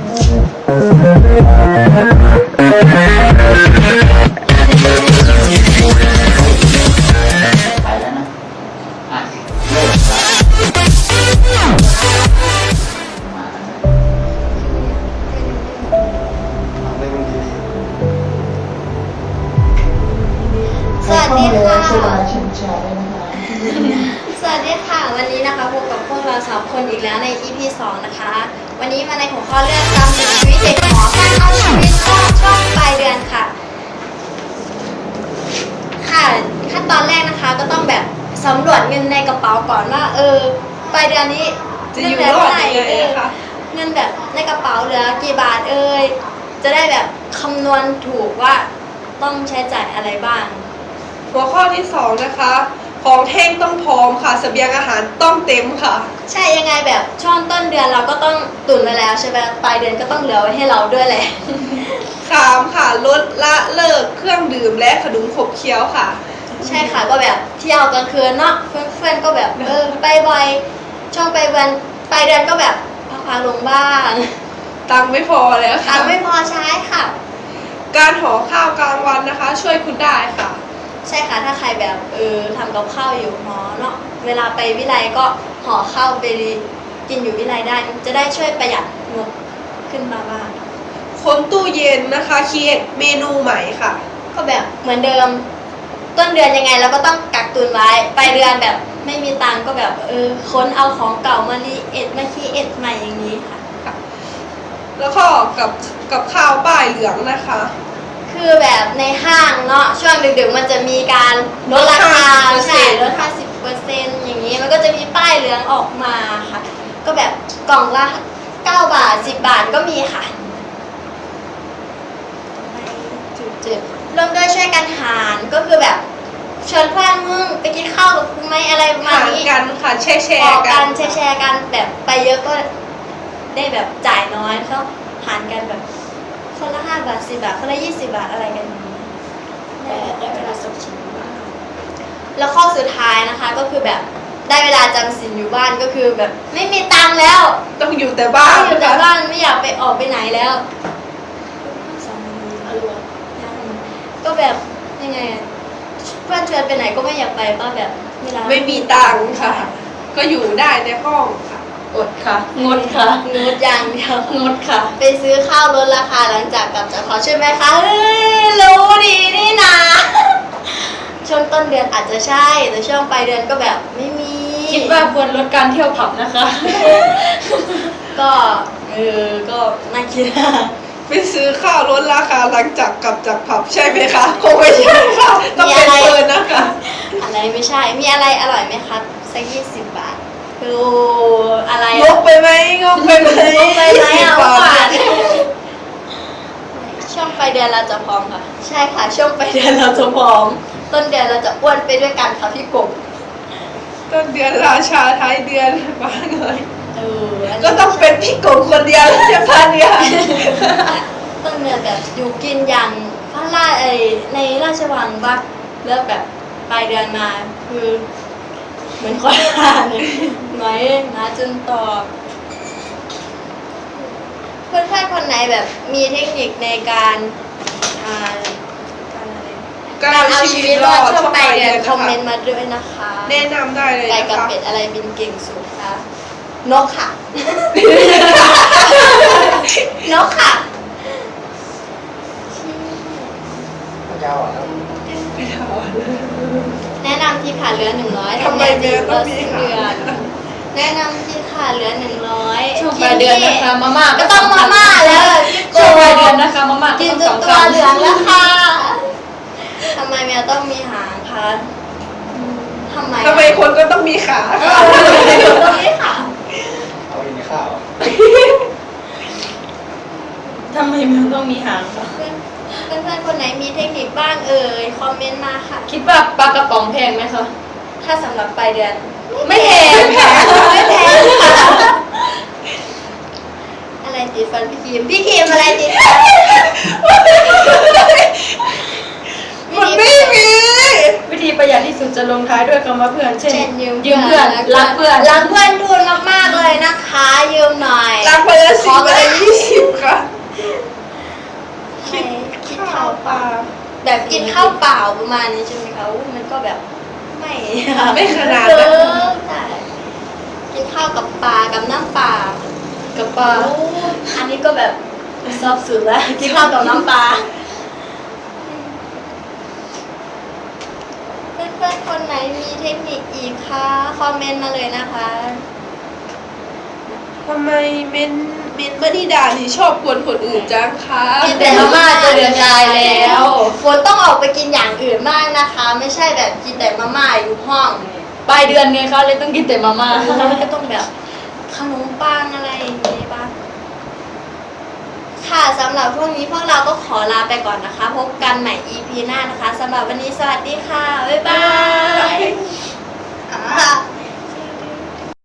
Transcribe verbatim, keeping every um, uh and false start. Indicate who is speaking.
Speaker 1: สวัสดีค่ะสวัสดีค่ะวันนี้นะคะพบกับพวกเราสามคนอีกแล้วใน อี พี สองนะคะวันนี้มาในหัวข้อเรื่องการมีชีวิตเด็กหมอการเอาชีวิตรอดช่วงปลายเดือนค่ะค่ะขั้นตอนแรกนะคะก็ต้องแบบสำรวจเงินในกระเป๋าก่อนว่าเออปลายเดือนนี้จะอยู่รอดยังไงคะเงินแบบในกระเป๋าเหลือกี่บาทเอ่ยจะได้แบบคำนวณถูกว่าต้องใช้จ่ายอะไรบ้าง
Speaker 2: หัวข้อที่สองนะคะของแห้งต้องพร้อมค่ะเสบียงอาหารต้องเต็มค่ะ
Speaker 1: ใช่ยังไงแบบช่วงต้นเดือนเราก็ต้องตุนไว้แล้วใช่ไหมปลายเดือนก็ต้องเหลือไว้ให้เราด้วยแหละ
Speaker 2: สามค่ะลดละเลิกเครื่องดื่มและขนมขบเคี้ยวค่ะ
Speaker 1: ใช่ค่ะก็แบบเที่ยวกลางคืนเนาะเพื่อนๆก็แบบเออไปบ่อยช่วงไปวันปลายเดือนก็แบบพักๆลงบ้าง
Speaker 2: ตังไม่พอแล้วค่ะ
Speaker 1: ตังไม่พอใช้ค่ะ
Speaker 2: การห่อข้าวกลางวันนะคะช่วยคุณได้ค่ะ
Speaker 1: ใช่ค่ะถ้าใครแบบเออทำกับข้าวอยู่หอเนาะเวลาไปวิไลก็ห่อข้าวไปกินอยู่วิไลได้จะได้ช่วยประหยัดงบขึ้นมาบ้าง
Speaker 2: คนตู้เย็นนะคะคิดเมนูใหม่ค่ะ
Speaker 1: ก็แบบเหมือนเดิมต้นเดือนยังไงเราก็ต้องกักตุนไว้ปลายเดือนแบบไม่มีตังก็แบบเออค้นเอาของเก่ามารีเอ็ดมาคีเอ็ดใหม่อย่างนี้ค่ะ
Speaker 2: แล้วก็กับกับข้าวป้ายเหลืองนะคะ
Speaker 1: คือแบบในห้างเนาะช่วงดึกๆมันจะมีการลดราคาใช่ลด ห้าสิบเปอร์เซ็นต์ อย่างนี้มันก็จะมีป้ายเหลืองออกมาค่ะก็แบบกล่องละเก้าบาทสิบบาทก็มีค่ะจุดๆเริ่มด้วยช่วยกันหารก็คือแบบเชิญเพื่อนมึงไปกินข้าวกับกูไหมอะไรประมาณนี้
Speaker 2: กันค่ะแชร์แชร์
Speaker 1: กันแชร์แชร์กันแบบไปเยอะก็ได้แบบจ่ายน้อยเขาหารกันแบบคนละห้าบาทสิบบาทคนละยี่สิบบาทอะไรกันได้ได้เวลาสบชิมแล้วข้อสุดท้ายนะคะก็คือแบบได้เวลาจำศีลอยู่บ้านก็คือแบบไม่มีตังค์แล้ว
Speaker 2: ต้องอยู่แต่บ้าน
Speaker 1: อยู่แต่บ้านไม่อยากไปออกไปไหนแล้วก็แบบยังไงเพื่อนชวนไปไหนก็ไม่อยากไปก็แบบ
Speaker 2: ไม่มีตังค์ค่ะก็อยู่ได้ในห้องค่ะ
Speaker 1: อดค่ะงดค่ะงดอย่างเดียวงดค่ะไปซื้อข้าวลดราคาหลังจากกลับจากขอใช่ไหมคะเฮ้ยรู้ดีนี่นะช่วงต้นเดือนอาจจะใช่แต่ช่วงปลายเดือนก็แบบไม่มี
Speaker 3: คิดว่าควรลดการเที่ยวผับนะคะ
Speaker 1: ก็เออก็น่าคิดนะ
Speaker 2: ไปซื้อข้าวลดราคาหลังจากกลับจากผับใช่ไหมคะคงไม่ใช่ค่ะต้องเป็นเฟิร์นนะคะ
Speaker 1: อะไรไม่ใช่มีอะไรอร่อยไหมคะสักยี่สิบบาทคืออะไร
Speaker 2: งกไปไหมงกไปไหม
Speaker 1: งกไปไหมอ่ะว่าช่วงปลายเดือนเราจะพร้อมค่ะใช่ค่ะช่วงปลายเดือนเราจะพร้อมต้นเดือนเราจะอ้วนไปด้วยกันค่ะพี่กบ
Speaker 2: ต้นเดือนราชาท้ายเดือนบ้างเลย
Speaker 1: เออ
Speaker 2: ก็ต้องเป็นพี่กบคนเดียวจะพาเดือน
Speaker 1: ต้นเดือนแบบอยู่กินอย่างพระราชไอในราชวังบ้างเลิกแบบปลายเดือนมาคือเหมือนคนอ่านไหมนะจนตอบเพื่อนๆคนไหนแบบมีเทคนิคในการการเอาชีวิตรอดช่วงปลายเดือนคอมเมนต์มาด้วยนะคะ
Speaker 2: แนะนำได้เลยนะคะ
Speaker 1: ไก่กับเป็ดอะไรบินเก่งสุดคะนกค่ะนกค่ะ
Speaker 4: เจ้าอ่ะ
Speaker 1: แนะนำที่ขาเหลือหนึ่งร้อยทำไมเดือนก็สิ้นเดือนแนะนำที่ขาเหลือหนึ่งร้อย
Speaker 3: ช่วงปลายเดือนนะคะมาม่า
Speaker 1: ก็ต้องมาม่าแล้ว
Speaker 3: ช่วงปลายเดือนนะคะมาม่า
Speaker 1: กินจนตัวเหลืองแล้วค่ะทำไมแมวต้องมีหางคะทำไม
Speaker 2: ทำไมคนก็ต้องมีขา
Speaker 1: ค่ะต้องมีขา
Speaker 4: เอากินข้าว
Speaker 3: ทำไมแมวต้องมีหางคะ
Speaker 1: เพื่อนๆคนไหนมีเทคนิคบ้างเอ่ยคอมเมนต์มาค่ะ
Speaker 3: คิดว่าปลากระป๋องแพงไหมคะ
Speaker 1: ถ้าสำหรับปลายเดือน
Speaker 3: ไม่แพงค่ะ
Speaker 1: ไม่แพงค่ะอะไรติดฟันพี่คิมพี่คิมอะไรติดฟัน
Speaker 2: มันไม่มี
Speaker 3: วิธีประหยัดที่สุดจะลงท้ายด้วยคำว่าเพื่อนเช่น
Speaker 1: ยืม
Speaker 3: เพื่อนรักเพื่อน
Speaker 1: รักเพื่อนทุนมากๆเลยนะคะยืมหน่อย
Speaker 2: รักเพื่อนสิบไปยี่สิบค่ะาวปลา
Speaker 1: แบบกินข้าวเปล่าประมาณนี้ใช่ไหมคะอุ๊ยมันก็แบบไม่
Speaker 2: ไม่ขนาด
Speaker 1: เอ
Speaker 2: นั้น
Speaker 1: อใช่กินข้าวกับปลากับน้ำปลา
Speaker 3: กับปลา
Speaker 1: โอ้อันนี้ก็แบบซอบสุดแล้วกินข้าวกับน้ำปลาเพื่อนๆคนไหนมีเทคนิคอีกคะคอมเมนต์มาเลยนะคะ
Speaker 2: ทำไมเมนเมนบันนิดานี่ชอบกวนคนอื่นจังคะ
Speaker 1: กินแต่มาม่าจะเดือดใจแล้วฝนต้องออกไปกินอย่างอื่นบ้างนะคะ ไม่ใช่แบบกินแต่มาม่าอยู่ห้อง
Speaker 3: ปลายเดือนไงคะเลยต้องกินแต่มาม่า
Speaker 1: ก็ต้องแบบขนมปังอะไรอย่างนี้บ้างค่ะสำหรับพวกนี้พวกเราก็ขอลาไปก่อนนะคะ พบกันใหม่ อี พี หน้านะคะสำหรับวันนี้สวัสดีค่ะ บ๊ายบายอ่า